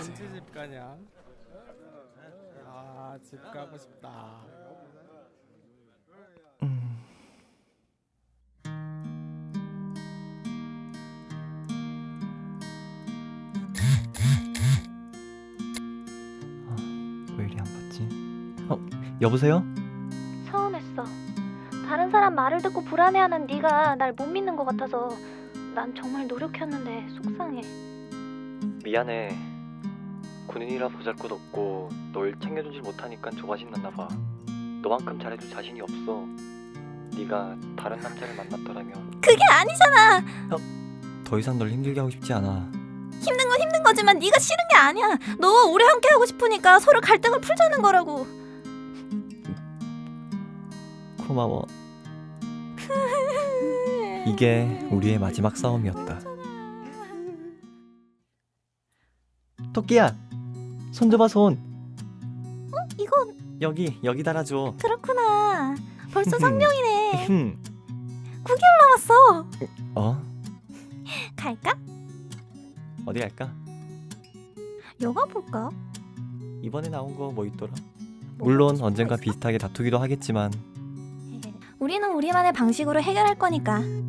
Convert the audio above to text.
언제 집 가냐? 아, 집 가고 싶다. 왜 이리 안 받지? 여보세요? 서운했어. 다른 사람 말을 듣고 불안해하는 네가 날 못 믿는 것 같아서 난 정말 노력했는데 속상해. 미안해. 군인이라 보잘것없고 널 챙겨주질 못하니까 조바심 났나봐. 너만큼 잘해줄 자신이 없어. 네가 다른 남자를 만났더라면. 그게 아니잖아. 더 이상 널 힘들게 하고 싶지 않아. 힘든 건 힘든 거지만 네가 싫은 게 아니야. 너와 오래 함께 하고 싶으니까 서로 갈등을 풀자는 거라고. 고마워. 이게 우리의 마지막 싸움이었다. 토끼야, 손 줘봐 손. 이건 여기 달아줘. 그렇구나. 벌써 성령이네. 9개월 남았어. 어? 갈까? 어디 갈까? 영화 볼까? 이번에 나온 거 뭐 있더라? 물론 언젠가 비슷하게 다투기도 하겠지만 우리는 우리만의 방식으로 해결할 거니까